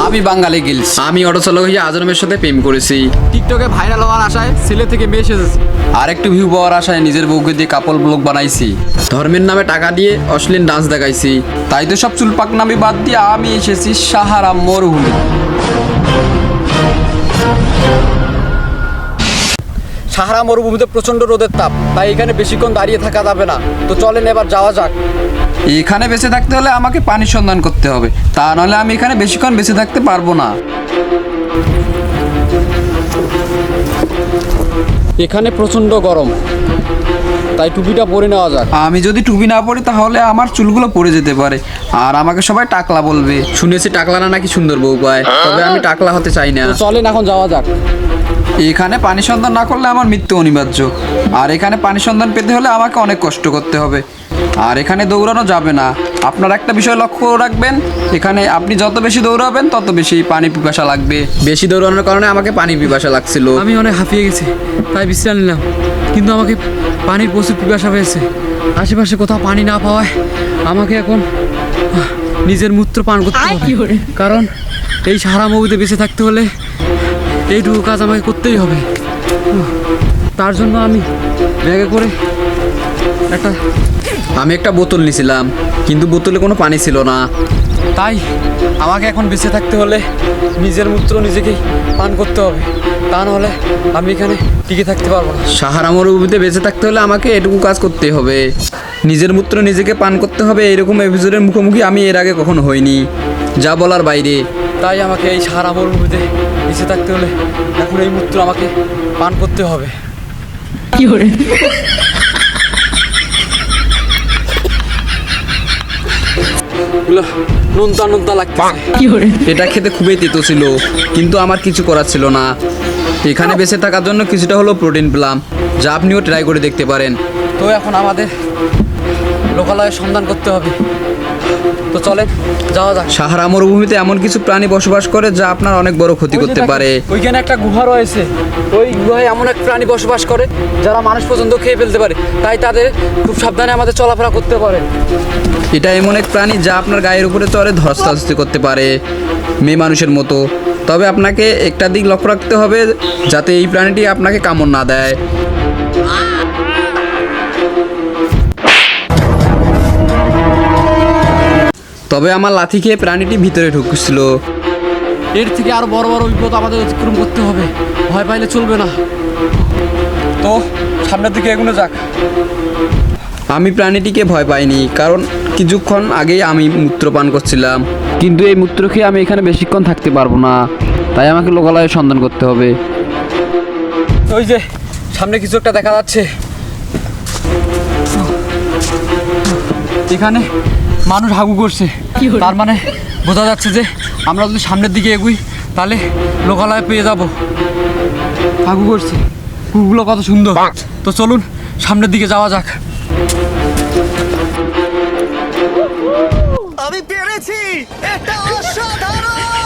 আমি বাঙালি গিলস। আমি অটো চালক হয়ে আজরমের সাথে প্রেম করেছি। টিকটকে ভাইরাল হওয়ার আশায় ছেলে থেকে মেয়ে সেজেছি। আর একটু ভিউ পাওয়ার আশায় নিজের বউকে দিয়ে কাপল ব্লগ বানাইছি। ধর্মের নামে টাকা দিয়ে অশ্লীল ডান্স দেখাইছি। তাই তো সব চুল পাকনামি বাদ দিয়ে আমি এসেছি সাহারা মরুভূমি। সাহারা মরুভূমিতে প্রচন্ড রোদের তাপ, তাই এখানে বেশিক্ষণ দাঁড়িয়ে থাকা যাবে না। তো চলেন এবার যাওয়া যাক। এখানে বেঁচে থাকতে হলে আমাকে পানির সন্ধান করতে হবে, তা নাহলে আমি এখানে বেশিক্ষণ বেঁচে থাকতে পারবো না। এখানে প্রচন্ড গরম, তাই টুপিটা পরে নেওয়া যাক। আমি যদি টুপি না পরি তাহলে আমার চুলগুলো পড়ে যেতে পারে, আর আমাকে সবাই টাকলা বলবে। শুনেছি টাকলারা নাকি সুন্দর বউ পায়, তবে আমি টাকলা হতে চাই না। তো চলেন এখন যাওয়া যাক। এখানে পানি সন্ধান না করলে আমার মৃত্যু অনিবার্য, আর এখানে পানি সন্ধান পেতে হলে আমাকে অনেক কষ্ট করতে হবে। আর এখানে দৌড়ানো যাবে না। আপনার একটা বিষয় লক্ষ্য রাখবেন, এখানে আপনি যত বেশি দৌড়াবেন তত বেশি পানি পিপাসা লাগবে। বেশি দৌড়ানোর কারণে আমাকে পানি পিপাসা লাগছিল। আমি অনেক হাঁপিয়ে গেছি, তাই বিশ্রাম নিলাম। কিন্তু আমাকে পানির প্রচুর পিপাসা পেয়েছে। আশেপাশে কোথাও পানি না পাওয়ায় আমাকে এখন নিজের মূত্র পান করতে হবে, কারণ এই সাহারা মরুভূমিতে বেঁচে থাকতে হলে এইটুকু কাজ আমাকে করতেই হবে। তার জন্য আমি ব্যাগে করে আমি একটা বোতল নিয়েছিলাম, কিন্তু বোতলে কোনো পানি ছিল না। তাই আমাকে এখন বেঁচে থাকতে হলে নিজের মূত্র নিজেকেই পান করতে হবে, তা নাহলে আমি এখানে টিকে থাকতে পারবো না। সাহারা মরুভূমিতে বেঁচে থাকতে হলে আমাকে এটুকু কাজ করতে হবে, নিজের মূত্র নিজেকে পান করতে হবে। এরকম এপিসোডের মুখোমুখি আমি এর আগে কখনো হইনি, যা বলার বাইরে। তাই আমাকে এই সাহারা মরুভূমিতে বেঁচে থাকতে হলে এখন এই মূত্র আমাকে পান করতে হবে। নোনতা নোনতা লাগতেছে। এটা খেতে খুবই তেতো ছিল, কিন্তু আমার কিছু করার ছিল না। এখানে বেঁচে থাকার জন্য কিছুটা হলো প্রোটিন পেলাম, যা আপনিও ট্রাই করে দেখতে পারেন। তো এখন আমাদের লোকালয়ের সন্ধান করতে হবে। তো চলেন যাওয়া যাক। সাহারা মরুভূমিতে এমন কিছু প্রাণী বসবাস করে যা আপনার অনেক বড় ক্ষতি করতে পারে। ওইখানে একটা গুহা রয়েছে, ওই গুহায় এমন এক প্রাণী বসবাস করে যারা মানুষ পর্যন্ত খেয়ে ফেলতে পারে, তাই তাদের খুব সাবধানে আমাদের চলাফেরা করতে পারে। এটা এমন এক প্রাণী যা আপনার গায়ের উপরে চড়ে ধস্তাধস্তি করতে পারে মেয়ে মানুষের মতো। তবে আপনাকে একটা দিক লক্ষ্য রাখতে হবে, যাতে এই প্রাণীটি আপনাকে কামড় না দেয়। তবে আমার লাথি খেয়ে প্রাণীটি ভিতরে ঢুকছিল। এর থেকে আরো বড় বড় বিপদ আমাদের অতিক্রম করতে হবে, ভয় পাইলে চলবে না। তো সামনের দিকে এগোনো যাক। আমি প্রাণীটিকে ভয় পাইনি, কারণ কিছুক্ষণ আগেই আমি মূত্র পান করছিলাম। কিন্তু এই মূত্র খেয়ে আমি এখানে বেশিক্ষণ থাকতে পারবো না, তাই আমাকে লোকালয়ের সন্ধান করতে হবে। ওই যে সামনে কিছু একটা দেখা যাচ্ছে, এখানে মানুষ হাগু করছে। তার মানে বোঝা যাচ্ছে যে আমরা যদি সামনের দিকে এগুই তাহলে লোকালয় পেয়ে যাব। হাগু করছে, কুকুরগুলো কত সুন্দর। তো চলুন সামনের দিকে যাওয়া যাক। আমি পেরেছি, এটা অসাধারণ।